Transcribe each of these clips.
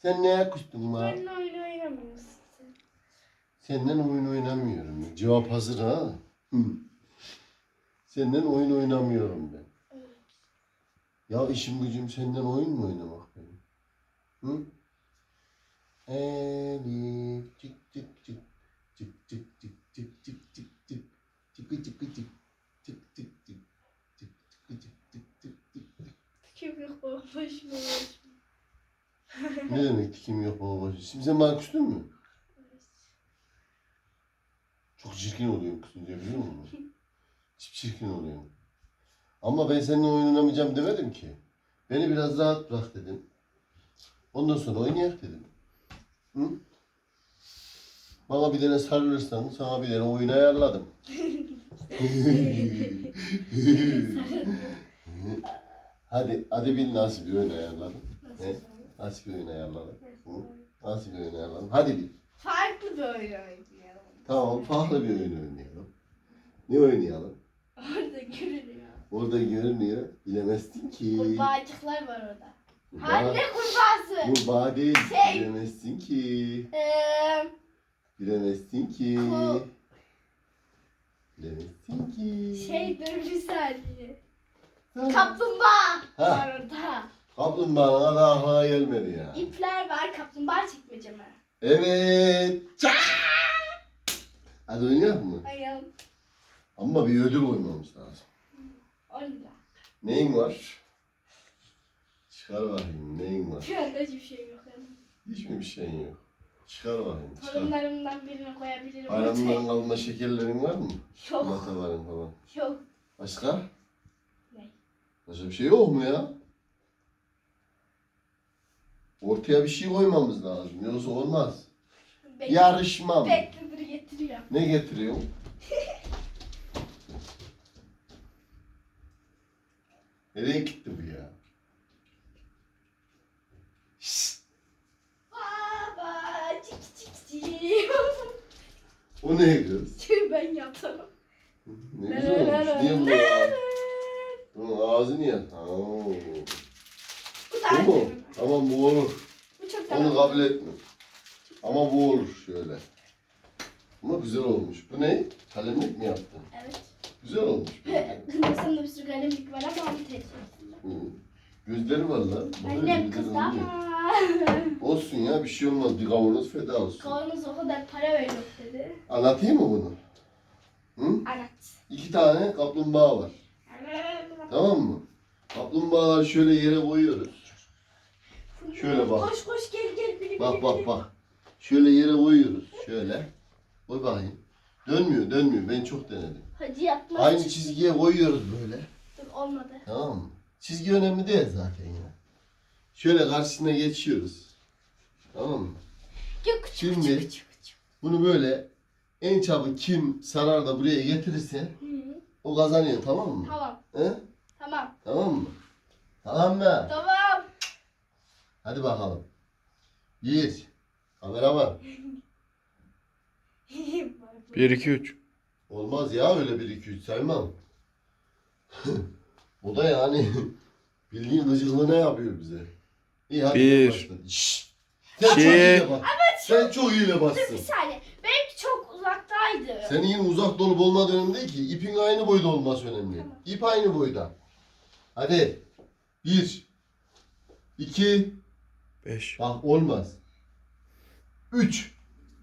Sen neye kustun la? Benimle oyun oynamıyorsun sen. Senden oyun oynamıyorum. Cevap hazır ha. Hı. Senden oyun oynamıyorum ben. Evet. Ya işim gücüm senden oyun mu oynamak benim? Hı? Elif çık çık çık çık çık çık çık çık çık çık çıkı çıkı çık çık çık çık çık çıkı çık çık çık çık. Kim yok başıma başıma. Ne demek kim yok baba başı? Şimdi sen bana küstün mü? Çok çirkin oluyorsun kızınca biliyor musun? Çirkin oluyorsun. Ama ben seninle oyun oynamayacağım demedim ki. Beni biraz rahat bırak dedim. Ondan sonra oynayak dedim. Hı? Bana bir tane sarılırsan sana bir tane oyun ayarladım. hadi bil nasıl bir oyun ayarladım. Nasıl bir oyun ayarladım? Nasıl bir oyun ayarladım? Hadi bil. Farklı bir oyun oynayalım. Tamam, farklı bir oyun oynayalım. Ne oynayalım? Orada görünüyor. Orada görünüyor. Bilemezsin ki. Kurbağacıklar var orada. Kurbağa- Anne kurbağası. Kurbağa değil. Şey. Bilemezsin ki. Eee Bilemezsin ki. Ku- Bilemezsin ki. dur bir saniye. Ha. Kaplumbağa Ha. var orada. Kaplumbağanın da aklına gelmedi ya. İpler var kaplumbağa çekmece mi? Evet. Çak! Hadi oynayalım mı? Ayağım. Ama bir ödül koymamız lazım. Orada. Neyin var? Çıkar bakayım neyin var? Şu anda hiçbir şey yok. Yani. Hiç mi bir şeyin yok? Çıkar bakayım. Çıkar. Torunlarımdan birini koyabilirim. Bayramdan kalma şekerlerin var mı? Yok. Mataların falan. Yok. Başka? Ne? Başka bir şey yok mu ya? Ortaya bir şey koymamız lazım. Yoksa olmaz. Yarışma mı? Bekledir getiriyor. Ne getiriyor? Nereye gitti bu ya? Şşt! Baba cik cik cik. O ne kız? Tüh ben yaparım. Ne güzel olmuş. Niye bunu ağzı? Bunun ağzı niye? Bu Bu daha mu? iyi. Tamam bu olur. Bu çok Onu daha kabul etme. Ama bu olur şöyle. Ama güzel olmuş. Bu ne? Kalemlik mi yaptın? Evet. Güzel olmuş. Kırmızında bir sürü kalemlik var ama onu tercih ettim. Hı. Gözleri var lan. Annem Gözleri kızdı oluyor. ama. Olsun ya bir şey olmaz. Bir kavanoz feda olsun. Kavanoz o kadar para veriyor dedi. Anlatayım mı bunu? Hı? Anlat. 2 tane kaplumbağa var. Tamam mı? Kaplumbağaları şöyle yere koyuyoruz. Şöyle bak. Koş koş gel gel. Biri, Bak biri, bak biri. bak. Şöyle yere koyuyoruz. Şöyle. Koy bakayım. Dönmüyor. Ben çok denedim. Hadi yapma. Aynı çizgiye koyuyoruz böyle. Dur olmadı. Tamam mı? Çizgi önemli değil zaten ya. Şöyle karşısına geçiyoruz. Tamam mı? Yok, Şimdi bunu böyle en çabuk kim sarar da buraya getirirse Hı. o kazanıyor, tamam mı? Tamam. He? Tamam. Tamam mı? Tamam mı? Tamam. Hadi bakalım. Bir. Kamera var. 1 2 3. Olmaz ya öyle 1 2 3 saymam. O da yani bildiğin gıcıklığına yapıyor bize. İyi hadi. Bir. başla. Şşş. Sen çok İki. iyi bas. Sen çok iyi Dur bassın. bir saniye. Benimki çok uzaktaydı. Senin yine uzak dolup olmadığı önemli değil ki. İpin aynı boyda olması önemli. Tamam. İp aynı boyda. Hadi. 1 2 5. Bak olmaz. 3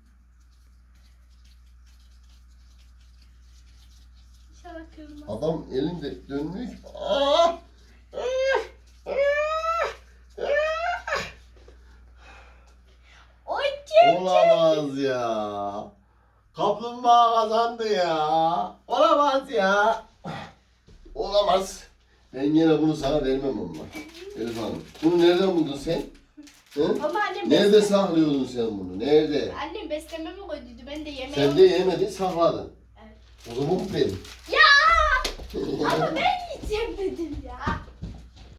İnşallah kırılmaz. Adam elinde dönmüyor ki. Aa! Oy kim? Olamaz ya. Kaplumbağa kazandı ya. Olamaz ya. Olamaz. Ben yine bunu sana vermem ama. Elif Hanım. Bunu nereden buldun sen? Hı? Ama annem Nerede saklıyordun sen bunu? Nerede? Annem beslememe koyduydu. Ben de yemeğe Sen de yemedin, sakladın. Evet. O zaman bu benim. Ya! Ama ben yiyeceğim dedim ya.